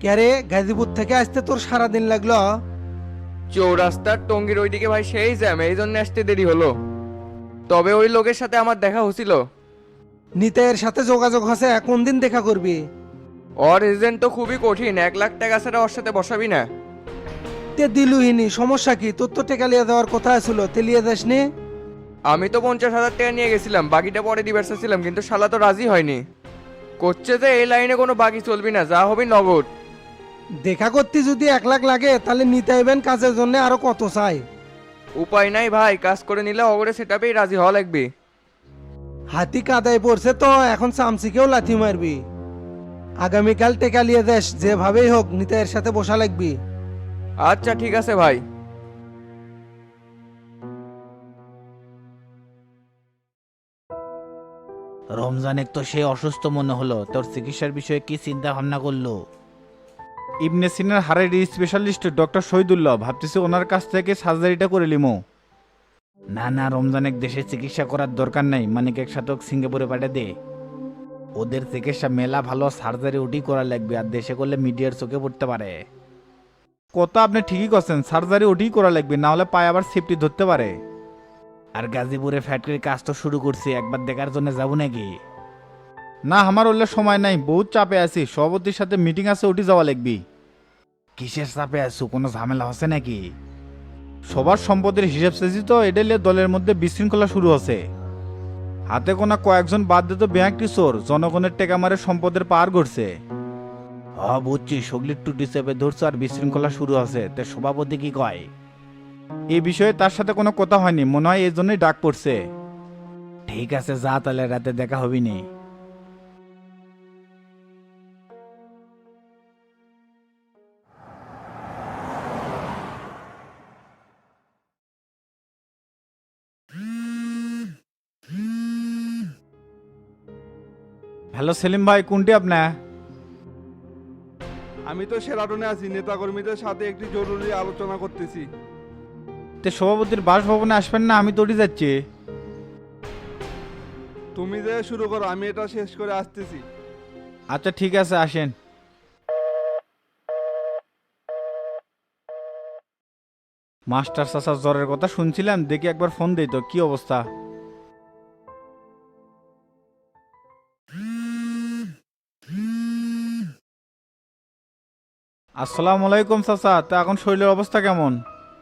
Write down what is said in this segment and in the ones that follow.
ক্যারে গাজীপুর থেকে আসতে তোর সারাদিন লাগলো? চৌরাস্তার টঙ্গির ওইদিকে ভাই সেই জ্যাম, এই জন্য আসতে দেরি হলো। তবে ওই লোকের সাথে আমার দেখা হয়েছিল। নিতাইয়ের সাথে যোগাযোগ আছে, কোন দিন দেখা করবি? ওর এজেন্ট তো খুবই কঠিন, 1 লাখ টাকা ছাড়া ওর সাথে বসাবি না। তে দিলুহিনি, সমস্যা কি? তোর তো টেকা লিয়ে দেওয়ার কথা ছিল, তেলিয়ে যাসনি? আমি তো 50,000 টাকা নিয়ে গেছিলাম, বাকিটা পরে দিবার ছিলাম, কিন্তু শালা তো রাজি হয়নি। করছে যে এই লাইনে কোনো বাকি চলবি না, যা হবে নগদ। দেখা করতে যদি 1 লাখ লাগে তাহলে নিতাইবেন কাজের জন্য আরো কত চাই? উপায় নাই ভাই, কাজ করে নিলে অগরে সেটাপেই রাজি হওয়া লাগবে। হাতি কাদায় পড়ছে তো এখন চামচিকেও লাথি মারবি। আগামীকাল টেকা লিয়ে দেশ, যেভাবেই হোক নিতাইয়ের সাথে বসা লাগবি। আচ্ছা ঠিক আছে ভাই। রমজানের তো সে অসুস্থ মনে হলো, তোর চিকিৎসার বিষয়ে কি চিন্তা ভাবনা করলো? ইবনে সিনার হাড়ের স্পেশালিস্ট ডক্টর শহীদুল্লাহ, ভাবতেছি ওনার কাছ থেকে সার্জারিটা করে লিমো। না না, রমজানের দেশে চিকিৎসা করার দরকার নাই, মানিক একসাথে সিঙ্গাপুরে পাঠিয়ে দে। ওদের চিকিৎসা মেলা ভালো, সার্জারি ওটি করা লাগবে, আর দেশে করলে মিডিয়ার চোখে পড়তে পারে। কথা আপনি ঠিকই করছেন, সার্জারি ওটি করা লাগবে, না হলে পায়ে আবার সেফটি ধরতে পারে। আর গাজীপুরে ফ্যাক্টরির কাজ তো শুরু করছি, একবার দেখার জন্য যাবো নাকি? না, আমার ওলে সময় নাই, বহুত চাপে আছি, সভাপতির সাথে মিটিং আছে, ওটি যাওয়া লাগবি। কিসের চাপে আছো, কোনো ঝামেলা হচ্ছে নাকি? সবার সম্পদের হিসাব চেয়েছি তো, এটা নিয়ে দলের মধ্যে বিশৃঙ্খলা শুরু হচ্ছে। হাতে কোনা কয়েকজন বাদ দিত ব্যাংক কিশোর জনগণের টেকা মারে সম্পদের পার করছে। বুঝছি, সগলির টুটি চেপে ধরছো আর বিশৃঙ্খলা শুরু আছে, তে সভাপতি কি কয়? এই বিষয়ে তার সাথে কোনো কথা হয়নি, মনে হয় এই জন্যই ডাক পড়ছে। ঠিক আছে, যা তাহলে, রাতে দেখা হবি নি। হ্যালো সেলিম ভাই, কোনটি আপনার? আমি তো সেরাটনে আছি, নেতাকর্মীদের সাথে একটি জরুরি আলোচনা করতেছি। তে সভাপতির বাসভবনে আসবেন না? আমি তোড়ি যাচ্ছি। তুমি যে শুরু করো, আমি এটা শেষ করে আসতেছি। আচ্ছা ঠিক আছে, আসেন। মাস্টার চাচার জ্বরের কথা শুনছিলাম, দেখি একবার ফোন দেই তো, কি অবস্থা। আসসালামু আলাইকুম চাচা, তা এখন শরীরের অবস্থা কেমন?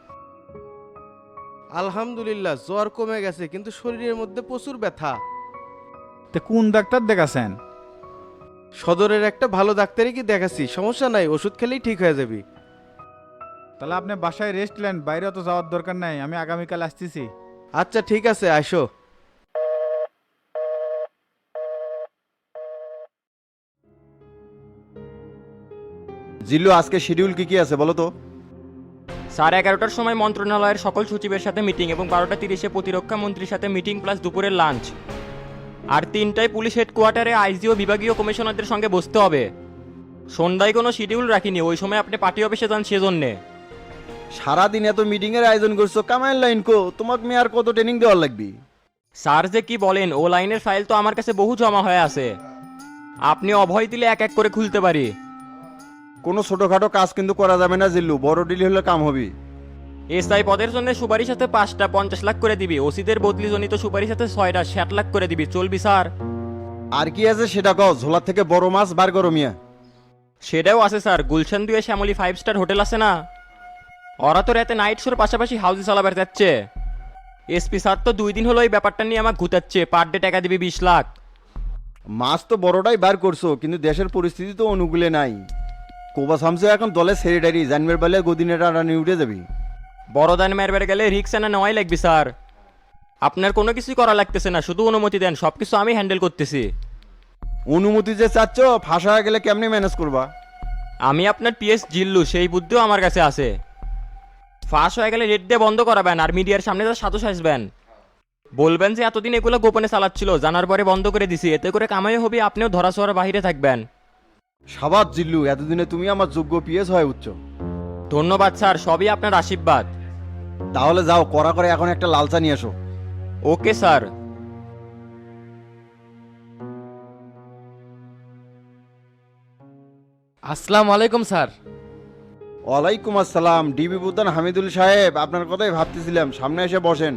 আলহামদুলিল্লাহ, জ্বর কমে গেছে, কিন্তু শরীরের মধ্যে প্রচুর ব্যথা। তে কোন ডাক্তার দেখাছেন? সদরের একটা ভালো ডাক্তারই কি দেখাচ্ছি, সমস্যা নাই, ওষুধ খেলেই ঠিক হয়ে যাবে। তাহলে আপনি বাসায় রেস্ট নেন, বাইরে তো যাওয়ার দরকার নাই, আমি আগামীকাল আসতেছি। আচ্ছা ঠিক আছে, আসো। জিল্লু, আজকে শিডিউল কি কি আছে বলো তো? 11:30টার সময় মন্ত্রণালয়ের সকল সচিবের সাথে মিটিং এবং 12টা 30-এ প্রতিরক্ষা মন্ত্রীর সাথে মিটিং প্লাস দুপুরের লাঞ্চ। আর 3টায় পুলিশ হেডকোয়ার্টারে আইজি ও বিভাগীয় কমিশনারদের সঙ্গে বসতে হবে। সন্ধ্যায় কোনো শিডিউল রাখিনি, ওই সময় আপনি পার্টি অফিসে যান সেজন্যে। সারাদিন এত মিটিং এর আয়োজন করছো, কামাইন লাইন কো, তোমাকে মেয়ার কত ট্রেনিং দেওয়ার লাগবে? স্যার যে কি বলেন, ও লাইনের ফাইল তো আমার কাছে বহু জমা হয়ে আছে, আপনি অভয় দিলে এক এক করে খুলতে পারি। কোনো ছোটখাটো কাজ কিন্তু করা যাবে না জিল্লু, বড় ডিল হলে কাম হবে। এসআই পদের জন্য সুপারিশ সাথে 5টা 50 লাখ করে দিবি, ওসিদের বদলি জনিত সুপারিশ সাথে 6টা 60 লাখ করে দিবি, চলবি স্যার? আর কি আছে সেটা কও, ঝোলা থেকে বড় মাছ বার করো মিয়া। সেটাও আছে স্যার, গুলশান 2-এ শ্যামলী 5 স্টার হোটেল আছে না, ওরা তো রাতে নাইট শোর পাশাপাশি হাউজি চালাবার যাচ্ছে। এসপি স্যার তো 2 দিন হলো এই ব্যাপারটা নিয়ে আমাকে ঘুতাচ্ছে, পার ডে টাকা দিবি 20 লাখ। মাছ তো বড়টাই বার করছো, কিন্তু দেশের পরিস্থিতি তো অনুকূলে নাই। কোবা সামসে এখন দলে সেক্রেটারি, জানবার বেলে গদিনের রানি উঠে যাবি। বড় দান মারবার গেলে রিক্স না নেওয়াই লাগবে স্যার। আপনার কোনো কিছুই করা লাগতেছে না, শুধু অনুমতি দেন, সব কিছু আমি হ্যান্ডেল করতেছি। অনুমতি যে চাচ্ছ, ফাঁসা হয়ে গেলে কেমনে ম্যানেজ করবা? আমি আপনার পিএস জিল্লু, সেই বুদ্ধিও আমার কাছে আছে। ফাঁস হয়ে গেলে রেড দিয়ে বন্ধ করাবেন, আর মিডিয়ার সামনে তার সাধু সাজবেন, বলবেন যে এতদিন এগুলো গোপনে চালাচ্ছিল, জানার পরে বন্ধ করে দিছি, এতে করে কামাই হবে, আপনিও ধরা ছোঁয়ার বাহিরে থাকবেন। সাবাত জিল্লু, এতদিনে তুমি আমার যোগ্য পিএস হয়ে উঠছ। ধন্যবাদ স্যার, সবই আপনার আশীর্বাদ। তাহলে যাও, করা করে এখন একটা লাল চা নিয়ে এসো। Okay sir. আসসালামু আলাইকুম স্যার। ওয়ালাইকুম আসসালাম। ডিবি প্রধান হামিদুল সাহেব, আপনার কথাই ভাবতেছিলাম, সামনে এসে বসেন।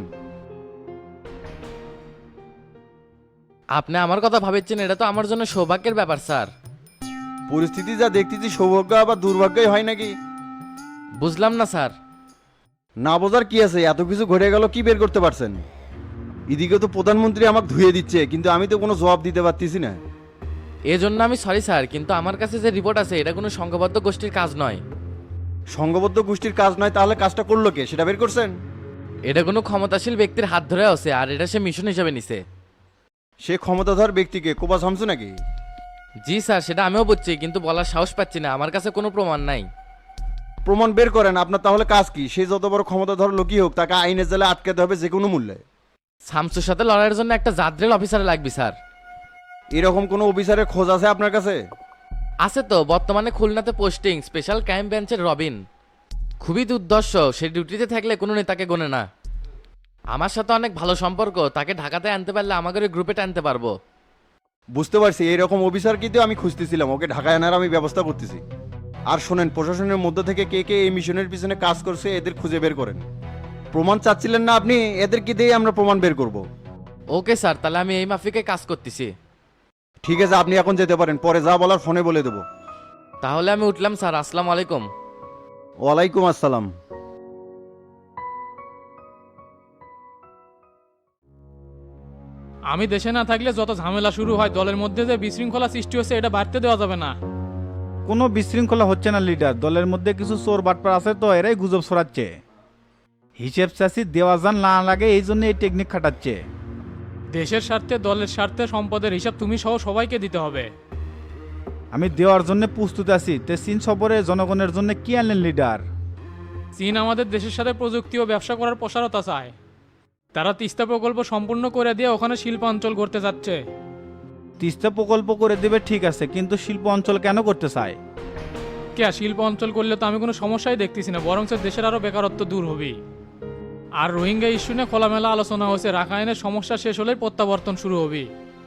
আপনি আমার কথা ভাবেছেন, এটা তো আমার জন্য সৌভাগ্যের ব্যাপার স্যার। পরিস্থিতি যা দেখতেছি সৌভাগ্য আবার দুর্ভাগ্যই হয় নাকি? বুঝলাম না স্যার। না বোঝার কি আছে, এত কিছু ঘটে গেল, কি বের করতে পারছেন? এদিকে তো প্রধানমন্ত্রী আমাকে ধুয়ে দিচ্ছে, কিন্তু আমি তো কোনো জবাব দিতে পারতেছি না। এজন্য আমি সরি স্যার, কিন্তু আমার কাছে যে রিপোর্ট আছে এটা কোনো সংঘবদ্ধ গোষ্ঠীর কাজ নয়। সংঘবদ্ধ গোষ্ঠীর কাজ নয় তাহলে কাজটা করলো কে, সেটা বের করছেন? এটা কোনো ক্ষমতাশীল ব্যক্তির হাত ধরে আছে, আর এটা সে মিশন হিসেবে নিছে। সে ক্ষমতাধর ব্যক্তিকে কোপা শামসু নাকি? জি স্যার, সেটা আমিও বুঝছি, কিন্তু বলার সাহস পাচ্ছি না, আমার কাছে কোনো প্রমাণ নাই। প্রমাণ বের করেন। আপনার তাহলে কাজ কি? সে যত বড় ক্ষমতাধর লোকই হোক, তাকে আইনের জালে আটকাতে হবে যে কোনো মূল্যে। শামসুর সাথে লড়াইয়ের জন্য একটা জাদ্রেল অফিসার লাগবে স্যার। এরকম কোনো অফিসারের খোঁজ আছে আপনার কাছে? আছে তো, বর্তমানে খুলনাতে পোস্টিং, স্পেশাল ক্রাইম ব্রাঞ্চের রবিন। খুবই দুর্দর্শ, সে ডিউটিতে থাকলে কোনো নেতাকে গোনে না। আমার সাথে অনেক ভালো সম্পর্ক, তাকে ঢাকাতে আনতে পারলে আমাদের ওই গ্রুপে টানতে পারবো। বুঝতে পারছি, এইরকম অফিসার কিন্তু আমি খুঁজতেছিলাম, ওকে ঢাকায় আনার আমি ব্যবস্থা করতেছি। আর শোনেন, প্রশাসনের মধ্যে থেকে কে কে এই মিশনের পিছনে কাজ করছে এদের খুঁজে বের করেন। প্রমাণ চাচ্ছিলেন না আপনি, এদেরকে দিয়ে আমরা প্রমাণ বের করব। ওকে স্যার, তাহলে আমি এই মাফিকে কাজ করতেছি। ঠিক আছে, আপনি এখন যেতে পারেন, পরে যা বলার ফোনে বলে দেবো। তাহলে আমি উঠলাম স্যার, আসসালামু আলাইকুম। ওয়ালাইকুম আসসালাম। আমি দেশে না থাকলে যত ঝামেলা শুরু হয়, দলের মধ্যে যে বিশৃঙ্খলা সৃষ্টি হচ্ছে এটা বাড়তে দেওয়া যাবে না। কোনো বিশৃঙ্খলা হচ্ছে না লিডার, দলের মধ্যে কিছু চোর বাটপার আছে তো এরাই গুজব ছড়াচ্ছে। হিসেব চাষি দেওয়া যান না লাগে, এই জন্য এই টেকনিক খাটাচ্ছে। দেশের স্বার্থে, দলের স্বার্থে সম্পদের হিসাব তুমি সহ সবাইকে দিতে হবে। আমি দেওয়ার জন্য প্রস্তুত আছি। তে চীন সফরে জনগণের জন্য কি আনলেন লিডার? চীন আমাদের দেশের সাথে প্রযুক্তি ও ব্যবসা করার প্রসারতা চায়। তারা তিস্তা প্রকল্প সম্পূর্ণ করে দিয়ে ওখানে শিল্পাঞ্চল করতে যাচ্ছে। তিস্তা প্রকল্প করে দেবে ঠিক আছে, কিন্তু শিল্প অঞ্চল কেন করতে চায়? কে শিল্প অঞ্চল করলে তো আমি কোনো সমস্যাই দেখতেছি না, বরং দেশের আরও বেকারত্ব দূর হবে। আর রোহিঙ্গা ইস্যু নিয়ে খোলামেলা আলোচনা হয়েছে, রাখাইনের সমস্যা শেষ হলেই প্রত্যাবর্তন শুরু হবে।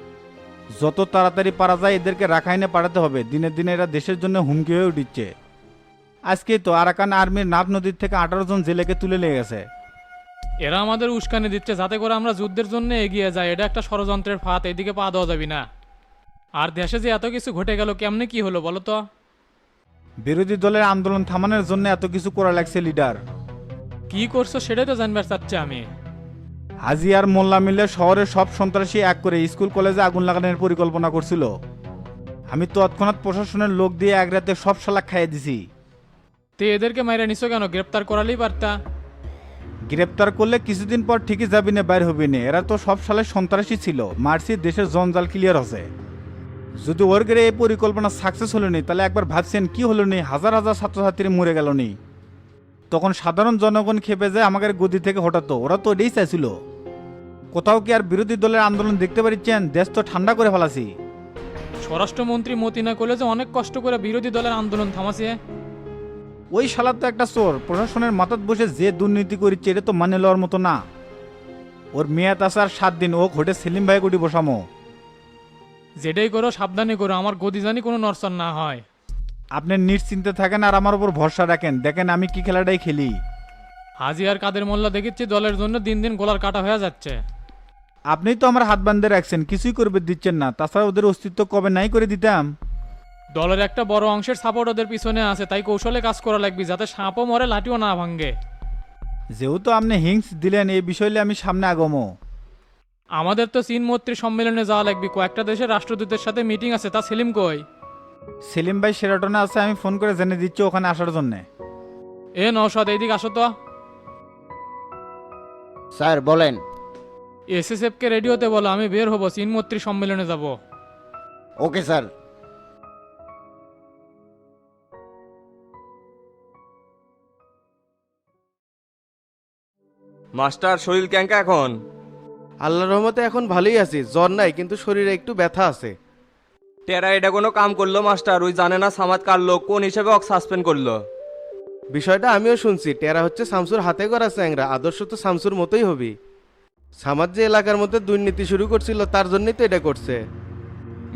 যত তাড়াতাড়ি পারা যায় এদেরকে রাখাইনে পাঠাতে হবে, দিনে দিনে এরা দেশের জন্য হুমকি হয়ে উঠছে। আজকেই তো আরাকান আর্মির নাফ নদীর থেকে 18 জন জেলেকে তুলে নিয়ে গেছে। এরা আমাদের উস্কানি দিচ্ছে যাতে করে আমরা যুদ্ধের জন্য এগিয়ে যাই, এটা একটা ষড়যন্ত্রের ফাঁদ, এদিকে পা দেওয়া যাবে না। আর দেশে যে এত কিছু ঘটে গেল, কেমনে কি হলো বলো তো? বিরোধী দলের আন্দোলন থামানোর জন্য এত কিছু করা লাগছে লিডার। কি করছো সেটাই তো জানবার চাচ্ছি আমি। হাজি আর মোল্লা মিলে শহরের সব সন্ত্রাসী এক করে স্কুল কলেজে আগুন লাগানোর পরিকল্পনা করছিল। আমি তৎক্ষণাৎ প্রশাসনের লোক দিয়ে এক রাতে সব শালা খাইয়ে দিছি। তে এদেরকে মাইরা নিছো কেন? গ্রেপ্তার করালেই পারতা। গ্রেপ্তার করলে কিছুদিন পর ঠিকই যাবি না, বাইর হবি না। এরা তো সব সালে সন্ত্রাসী ছিল, মার্সি দেশের জঞ্জাল ক্লিয়ার হচ্ছে। যদি ওর গেড়ে এই পরিকল্পনা সাকসেস হলো নি, তাহলে একবার ভাবছেন কি হলো নি, হাজার হাজার ছাত্রছাত্রী মরে গেল নি। তখন সাধারণ জনগণ খেপে যায় আমাদের গদি থেকে হঠাৎ, ওরা তো এটাই চাইছিল। কোথাও কি আর বিরোধী দলের আন্দোলন দেখতে পারিচ্ছেন? দেশ তো ঠান্ডা করে ফেলাছি। স্বরাষ্ট্রমন্ত্রী মতিনা কলেজে অনেক কষ্ট করে বিরোধী দলের আন্দোলন থামাছে। ওই শালা তো একটা চোর, প্রশাসনের মাথাত বসে যে দুর্নীতি করিচ্ছে এটা তো মানে লওয়ার মতো না। ওর মেয়াদ আছে আর 7 দিন, ও ঘটে সেলিম ভাই গুটি বসামো। যেটাই করো সাবধানে করো, আমার গদি জানি কোনো নরসন না হয়। আপনি নিশ্চিন্তে থাকেন আর আমার উপর ভরসা রাখেন, দেখেন আমি কি খেলাটাই খেলি। হাজি আর কাদের মোল্লা দেখেছি দলের জন্য দিন দিন গোলার কাটা হয়ে যাচ্ছে। আপনি তো আমার হাত বান্ধে রাখছেন, কিছুই করবে দিচ্ছেন না। তাছাড়া ওদের অস্তিত্ব কবে নাই করে দিতাম। দলের একটা বড় অংশের সাপোর্ট ওদের পিছনে আছে, তাই কৌশলে কাজ করা লাগবে যাতে সাপও মরে লাঠিও না ভাঙ্গে। যেহেতু আপনি হিংস দিলেন, এই বিষয়ে আমি সামনে আগমো। আমাদের তো চীন মৈত্রী সম্মেলনে যাওয়া লাগবে, কয়েকটা দেশের রাষ্ট্রদূতের সাথে মিটিং আছে। তা সেলিম কই? সেলিম ভাই সেরাটনে আছে, আমি ফোন করে জেনে দিচ্ছি ওখানে আসার জন্য। এ নওশাদ এইদিকে আসো তো। স্যার বলেন। এসএসএফ কে রেডিওতে বলো আমি বের হবো, চীন মৈত্রী সম্মেলনে যাব। Okay sir. মাস্টার শরীর ক্যাঙ্কা এখন? আল্লাহর রহমতে এখন ভালোই আছি, জ্বর নাই কিন্তু শরীরে একটু ব্যথা আছে। টেরা এটা কোনো কাম করলো মাস্টার? ওই জানে না সামাদ কার লোক, কোন হিসেবে অক সাসপেন্ড করলো? বিষয়টা আমিও শুনছি, টেরা হচ্ছে শামসুর হাতে করা চ্যাংরা, আদর্শ তো শামসুর মতোই হবি। সামাদ যে এলাকার মধ্যে দুর্নীতি শুরু করছিল তার জন্যই তো এটা করছে।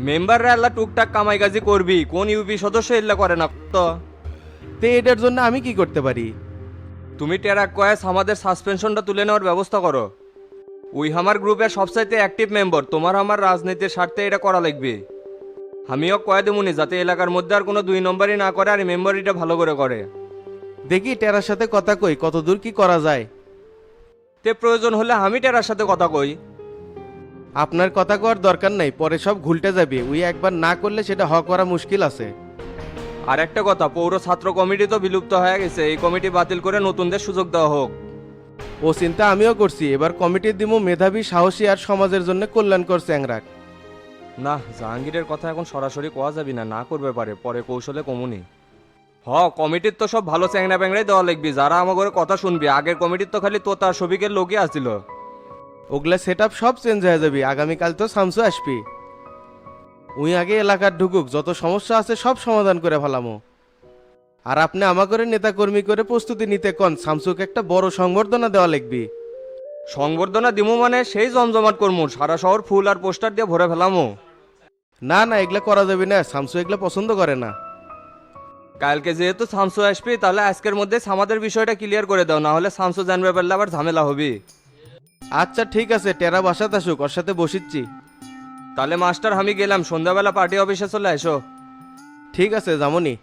মেম্বাররা আল্লাহ টুকটাক কামাই কাজি করবি, কোন ইউপি সদস্য এল্লা করে না তো? তে এটার জন্য আমি কি করতে পারি? তুমি টেরাক কয়েস আমাদের সাসপেনশনটা তুলে নেওয়ার ব্যবস্থা করো। ওই আমার গ্রুপের সবচাইতে অ্যাক্টিভ মেম্বার, তোমার আমার রাজনীতির স্বার্থে এটা করা লাগবে। আমিও কয়ে দেবুনি যাতে এলাকার মধ্যে আর কোনো 2 নম্বরই না করে আর মেম্বারিটা ভালো করে করে। দেখি টেরার সাথে কথা কই কত দূর কি করা যায়। তে প্রয়োজন হলে আমি টেরার সাথে কথা কই। আপনার কথা কওয়ার দরকার নাই, পরে সব ঘুলটে যাবে। ওই একবার না করলে সেটা হওয়া করা মুশকিল আছে। আর একটা কথা, পৌর ছাত্র কমিটি তো বিলুপ্ত হয়ে গেছে, এই কমিটি বাতিল করে নতুনদের সুযোগ দেওয়া হোক। ও চিন্তা আমিও করছি, এবার কমিটি দিমু মেধাবী, সাহসী আর সমাজের জন্য কল্যাণকর চ্যাংরাক। না, জাহাঙ্গীরের কথা এখন সরাসরি কোয়া যাবি না, না করবে পারে, পরে কৌশলে কমুনি। কমিটির তো সব ভালো চ্যাংরা ব্যাংরাই দেওয়া লাগবি, যারা আমার কথা শুনবি। আগের কমিটির তো খালি তোতা সবিকের লোকই আসছিল। ওগুলা সেট সব চেঞ্জ হয়ে যাবে। আগামীকাল তো শামসু আসবি। উই আগে এলাকার ঢুকুক, যত সমস্যা আছে সব সমাধান করে ফেলামো। আর আপনি আমাকে নেতা কর্মী করে প্রস্তুতি নিতে কন, শামসুকে একটা বড় সংবর্ধনা দেওয়া লাগবে। সংবর্ধনা দিমু মানে সেই জমজমাট করমু, সারা শহর ফুল আর পোস্টার দিয়ে ভরে ফেলামো। না না, এগুলা করা যাবে না, শামসু এগুলা পছন্দ করে না। কালকে যেহেতু শামসু আসবি, তাহলে আজকের মধ্যে আমাদের বিষয়টা ক্লিয়ার করে দাও, না হলে শামসু জানবে পারলে আবার ঝামেলা হবে। আচ্ছা ঠিক আছে, টেরা বাসাত আসুক, ওর সাথে বসিচ্ছি। তাহলে মাস্টার আমি গেলাম, সন্ধ্যাবেলা পার্টি অফিসে চলে এসো। ঠিক আছে, যামনি।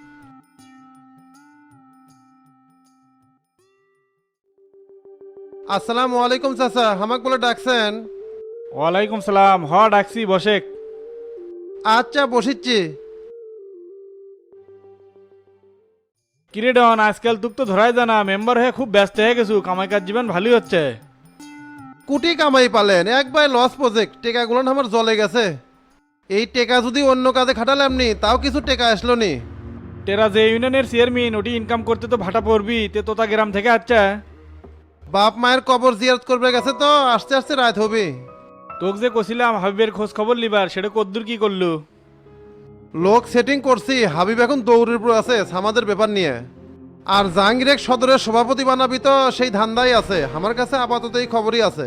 আসসালামু আলাইকুম চাচা, আমাকে বলে ডাকছেন? ওয়ালাইকুম সালাম। ডাকছি, বসেক। আচ্ছা বসিচ্ছি। কিরে ডন, আজকাল তুক তো ধরাই জানা, মেম্বার হয়ে খুব ব্যস্ত হয়ে গেছু, কামাই কাজ জীবন ভালোই হচ্ছে। কোটি কামাই পালেন, একবার লস প্রজেক্ট, টেকাগুলো আমার জলে গেছে। এই টেকা যদি অন্য কাজে খাটালাম নি, তাও কিছু টেকা আসলো নি। টেরা যে ইউনিয়নের চেয়ারম্যান, ওটি ইনকাম করতে তো ভাটা পড়বি, তে তোতা গ্রাম থেকে আচ্ছা। বাপ মায়ের কবর জিয়ারত করবে গেছে তো, আস্তে আস্তে রাত হবে। তোক যে কছিলাম হাবিবের খোঁজ খবর লিবার, সেটা কদ্দুর কি করলু? লোক সেটিং করছি, হাবিব এখন দৌড়ের উপর আছে আমাদের ব্যাপার নিয়ে। আর জাহাঙ্গীর সদরের সভাপতি বানাবি তো, সেই ধান্দাই আছে। আমার কাছে আপাতত এই খবরই আছে।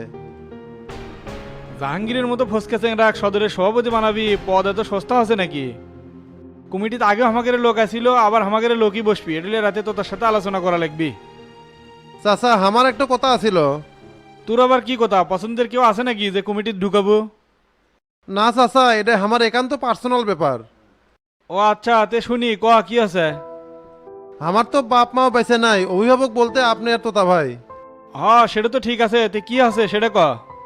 জাহাঙ্গীরের মতো ফসকে চেংরা সদরের সভাপতি বানাবি, পদ এত সস্তা আছে নাকি? কমিটিতে আগেও আমাদের লোক আসিল, আবার আমাদের লোকই বসবি, এটলে রাতে তো তার সাথে আলোচনা করা লাগবি। চাচা আমার একটা কথা আছিল। তোর আবার কি কথা? পছন্দের কেউ আছে নাকি যে কমিটির ঢুকাবো? না চাচা, এটা আমার একান্ত পার্সোনাল ব্যাপার। ও আচ্ছা, তে শুনি, ক কি আছে? আমার তো বাপ মাও বেঁচে নাই, অভিভাবক বলতে আপনি আর তোতা ভাই। সেটা তো ঠিক আছে, তে কি আছে সেটা ক।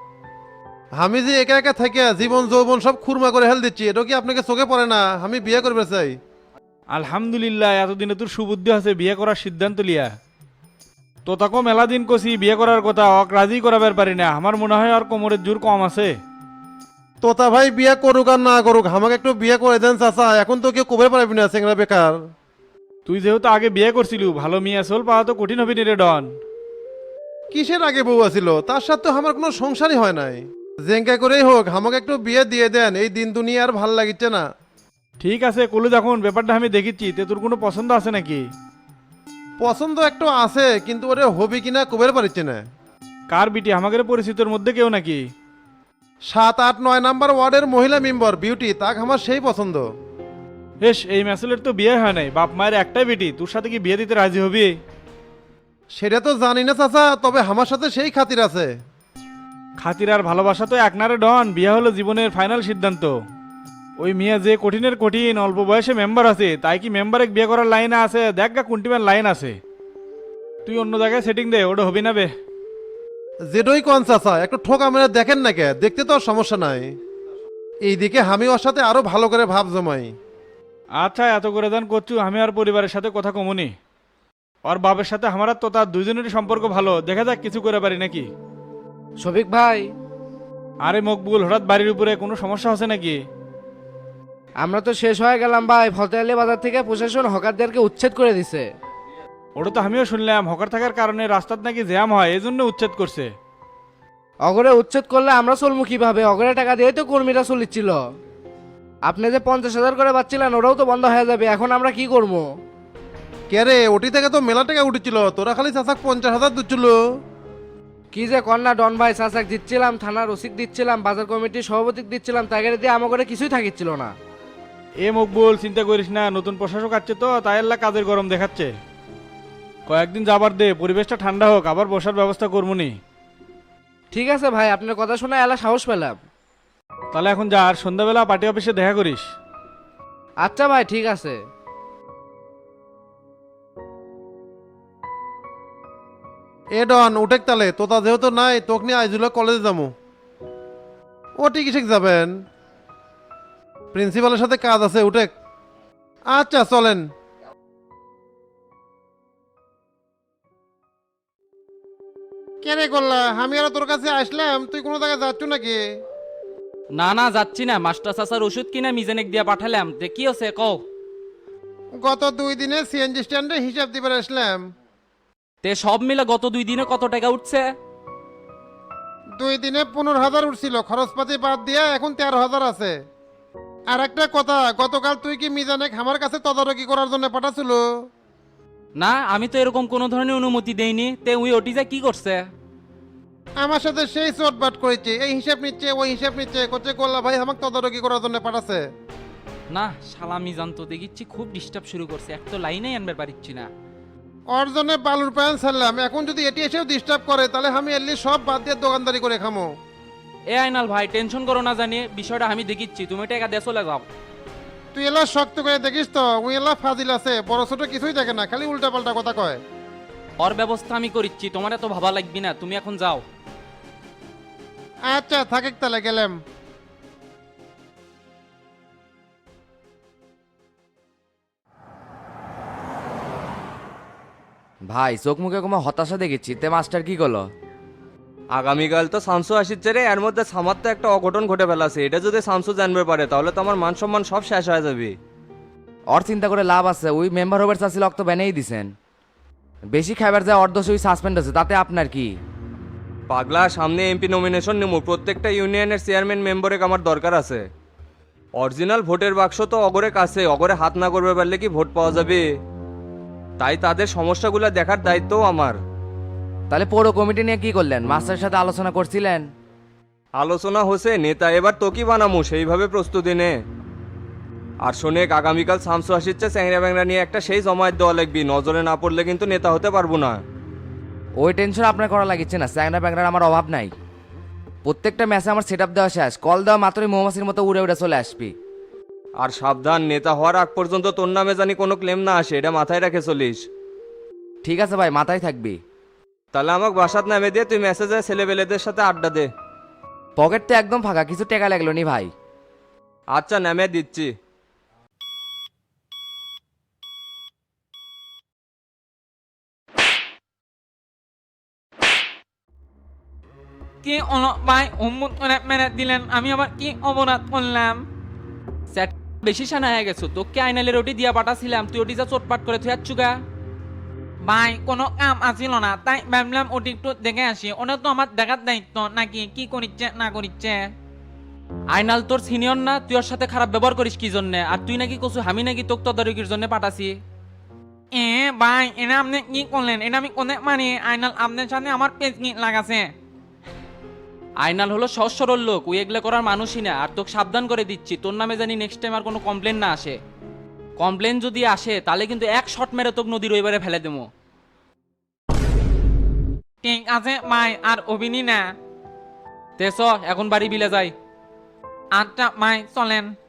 আমি যে একা একা থেকে জীবন যৌবন সব খুরমা করে হেল দিচ্ছি, এটা কি আপনাকে চোখে পড়ে না? আমি বিয়ে করবে চাই। আলহামদুলিল্লাহ, এতদিনে তোর সুবুদ্ধি আছে বিয়ে করার সিদ্ধান্ত লিয়া। তো তাকে মেলা দিন কছি বিয়ে করার কথা, অক রাজি করাবার পারি না। আমার মনে হয় আর কোমরের জোর কম আছে। তোতা ভাই বিয়ে করুক আর না করুক, আমাকে একটু বিয়ে করে দেন চাচা। এখন তো কেউ কবে পারবি না, চেংরা বেকার। তুই যেহেতু আগে বিয়ে করছিলু, ভালো মেয়ে আসল পাওয়া তো কঠিন হবি রে ডন। কিসের আগে বউ আছিল? তার সাথে তো আমার কোনো সংসারই হয় নাই। জেঙ্কা করেই হোক, আমাকে একটু বিয়ে দিয়ে দেন। এই দিন দুনিয়া আর ভাল লাগিচ্ছে না। ঠিক আছে, কলু যখন ব্যাপারটা আমি দেখিচ্ছি, তে তোর কোনো পছন্দ আছে নাকি? পছন্দ একটু আছে, কিন্তু ওরে হবি কিনা কবের পারিচ্ছে না। কার বিটি? আমাদের পরিচিতর মধ্যে কেউ নাকি? 7, 8, 9 নাম্বার ওয়ার্ডের মহিলা মেম্বার বিউটি, তাক আমার সেই পছন্দ। বেশ, এই ম্যাসেলের তো বিয়ে হয় নাই, বাপ মায়ের একটাই বেটি, তোর সাথে কি বিয়ে দিতে রাজি হবি? সেটা তো জানি না চাচা, তবে আমার সাথে সেই খাতির আছে। খাতির আর ভালোবাসা তো এক নারে ডন, বিয়ে হলো জীবনের ফাইনাল সিদ্ধান্ত। ওই মিয়া যে কঠিনের কঠিন, অল্প বয়সে মেম্বার আছে, তাই কি মেম্বারে বিয়ে করার লাইন আছে? দেখ গা কুন্টিম্যান লাইন আছে। তুই অন্য জায়গায় সেটিং দে, ওটা হবি না বে। যেটাই কোন চাচা, একটু ঠোকা মেরে দেখেন না কে, দেখতে তো আর সমস্যা নাই। এইদিকে আমি ওর সাথে আরো ভালো করে ভাব জমাই। আচ্ছা, এত করে দান করছু, আমি আর পরিবারের সাথে কথা কমুনি। ওর বাবার সাথে আমার আর তো তার দুইজনেরই সম্পর্ক ভালো, দেখা যাক কিছু করে পারি নাকি। শফিক ভাই, আরে মকবুল, হঠাৎ বাড়ির উপরে কোনো সমস্যা আছে নাকি? আমরা তো শেষ হয়ে গেলাম ভাই। ফতেয়ালি বাজার থেকে প্রশাসন হকারদেরকে উচ্ছেদ করে দিছে। ওটা তো আমিও শুনলাম, হকার থাকার কারণে রাস্তার নাকি জ্যাম হয়, এই জন্য উচ্ছেদ করছে। অগরে উচ্ছেদ করলে আমরা চলবো কিভাবে? অগরে টাকা দিয়ে তো কর্মীরা চলিচ্ছিল। আপনি যে 50,000 করে পাচ্ছিলেন, ওটাও তো বন্ধ হয়ে যাবে। এখন আমরা কি করবো? কে রে, ওটি থেকে তো মেলা টাকা উঠেছিল, তোরা খালি চাচা 50,000 দিচ্ছিল। কি যে কন্যা ডন ভাই চাচাক দিচ্ছিলাম, থানার ওসিক দিচ্ছিলাম, বাজার কমিটির সভাপতিক দিচ্ছিলাম, তাকে দিয়ে আমার করে কিছুই থাকিচ্ছিল না। এ মকবুল, চিন্তা করিস না, নতুন প্রশাসক আছে তো তাই আল্লাহ কাজের গরম দেখাচ্ছে। কয়েকদিন যাবার দে, পরিবেশটা ঠান্ডা হোক, আবার বসার ব্যবস্থা করবনি। ঠিক আছে ভাই, আপনার কথা শুনে এলা সাহস পেলাম। তাহলে এখন যা, আর সন্ধ্যাবেলা পার্টি অফিসে দেখা করিস। আচ্ছা ভাই, ঠিক আছে। এ ডন উঠেক তালে, তোতা যেহেতু নাই তোক নিয়ে আইজুলা কলেজে যাবো। ও টিকিসিক যাবেন, প্রিন্সিপালের সাথে কাজ আছে, উঠেক। আচ্ছা চলেন। কেনে করলা, আমি আর তোর কাছে আসলাম, তুই কোনো জায়গায় যাচ্ছ নাকি? না না যাচ্ছি না, মাস্টার চাচার ওষুধ কিনা মিজানেক দিয়া পাঠালাম, তে কি আছে কও। গত 2 দিনে সিএনজি স্ট্যান্ডে হিসাব দিবার আসলাম। তে সব মিলে গত 2 দিনে কত টাকা উঠছে? 2 দিনে 15,000 উঠছিল, খরচপাতি বাদ দিয়ে এখন 13,000 আছে। আর একটা কথা, গতকাল তুই কি মিজানে আমার কাছে তদারকি করার জন্য পাঠাছিল? না, আমি তো এরকম কোনো ধরনের অনুমতি দেইনি। তে ওই ওটিজা কি করছে? আমার সাথে সেই চটবাট করেছে, এই হিসাব নিচ্ছে ওই হিসাব নিচ্ছে, করছে গোল্লা ভাই আমাকে তদারকি করার জন্য পাঠাচ্ছে। না শালা মিজান তো দেখিচ্ছি খুব ডিস্টার্ব শুরু করছে, এক তো লাইনেই আনবার পারিচ্ছি না। ওর জন্য বালুর প্যান ছাড়লাম, এখন যদি এটি এসেও ডিস্টার্ব করে তাহলে আমি এলি সব বাদ দিয়ে দোকানদারি করে খামো। এ আইনাল ভাই, টেনশন করো না, জানি বিষয়টা আমি দেখিচ্ছি, তুমি টাকা দিয়ে চলে যাও। তুই এলা শক্ত করে দেখিস তো, ওই এলা ফাজিল আছে, বড় ছোট কিছুই দেখে না, খালি উল্টা পাল্টা কথা কয়। ওর ব্যবস্থা আমি করিচ্ছি, তোমার এত ভাবা লাগবি না, তুমি এখন যাও। আচ্ছা থাকেক তাহলে, গেলাম। ভাই চোখ মুখে কোনো হতাশা দেখেছি, তে মাস্টার কি করলো? আগামীকাল তো শামসু আসিচ্ছে রে, এর মধ্যে সামার তো একটা অঘটন ঘটে ফেলাছে, এটা যদি শামসু জানবে পারে তাহলে তো আমার মান সম্মান সব শেষ হয়ে যাবে। ওর চিন্তা করে লাভ আছে, ওই মেম্বার হবার চাচ্ছিল তো ব্যানেই দিছেন। বেশি খাবার যায় অর্ধশ ওই সাসপেন্ড আছে, তাতে আপনার কি? পাগলা, সামনে এমপি নমিনেশন নিমু, প্রত্যেকটা ইউনিয়নের চেয়ারম্যান মেম্বারে আমার দরকার আছে। অরিজিনাল ভোটের বাক্স তো অগরে কাছে, অগরে হাত না করবে পারলে কি ভোট পাওয়া যাবে? তাই তাদের সমস্যাগুলো দেখার দায়িত্বও আমার। তাহলে পৌর কমিটি নিয়ে কি করলেন? মাস্টারের সাথে আলোচনা করছিলেন? আলোচনা হচ্ছে, নেতা এবার তো কি বানামু সেইভাবে প্রস্তুতি নে। আর শোনেক, আগামীকাল শামসু আসিচ্ছে, চ্যাংরা ব্যাংরা নিয়ে একটা সেই জমায়েত দেওয়া লাগবি, নজরে না পড়লে কিন্তু নেতা হতে পারবো না। ওই টেনশন আপনার করা লাগিচ্ছে না, স্যাংরা ব্যাংরার আমার অভাব নাই। প্রত্যেকটা ম্যাচে আমার সেট আপ দেওয়া শেষ, কল দেওয়া মাত্রই মৌমাছির মতো উড়ে উড়ে চলে আসবি। আর সাবধান, নেতা হওয়ার আগ পর্যন্ত তোর নামে জানি কোনো ক্লেম না আসে, এটা মাথায় রেখে চলিস। ঠিক আছে ভাই, মাথায় থাকবি। তাহলে আমাকে বাসাত নামে দিয়ে তুই মেসেজে ছেলেবেলেদের সাথে আড্ডা দে। পকেট তো একদম ফাঁকা, কিছু টাকা লাগলো নি ভাই। আচ্ছা নামে দিচ্ছি। কি হলো ভাই, অম্মুত করে মেরে দিলেন, আমি আবার কি অপরাধ করলাম? স্যার বেশি সানা হয়ে গেছো, তোকে আইনালের ওটি দিয়া পাঠাছিলাম, তুই ওটি যা চটপাট করে তুই চুগা। ভাই কোনো কাম আসিল না, তাই ভাবলাম ওটি একটু দেখে আসি, ওটা তো আমার দেখার দায়িত্ব নাকি, কি করিচ্ছে না করিচ্ছে। আইনাল তোর সিনিয়র না, তুই ওর সাথে খারাপ ব্যবহার করিস কি জন্যে? আর তুই নাকি কছু আমি নাকি তোক তদারকির জন্য পাঠাছি। ভাই এটা আপনি কি করলেন? এটা আমি কোনে মানে আইনাল আপনার সাথে আমার পেজ কি লাগাছে? আইনাল হলো সহজ সরল লোক, ওই এগুলো করার মানুষই না। আর তোকে সাবধান করে দিচ্ছি, তোর নামে জানি নেক্সট টাইম আর কোনো কমপ্লেন না আসে। কমপ্লেন যদি আসে তাহলে কিন্তু এক শট মেরে তোকে নদীর ওইবারে ফেলে দেবো। ঠিক আছে ভাই, আর অভিনী না। তেস এখন বাড়ি বিলে যাই। আচ্ছা ভাই চলেন।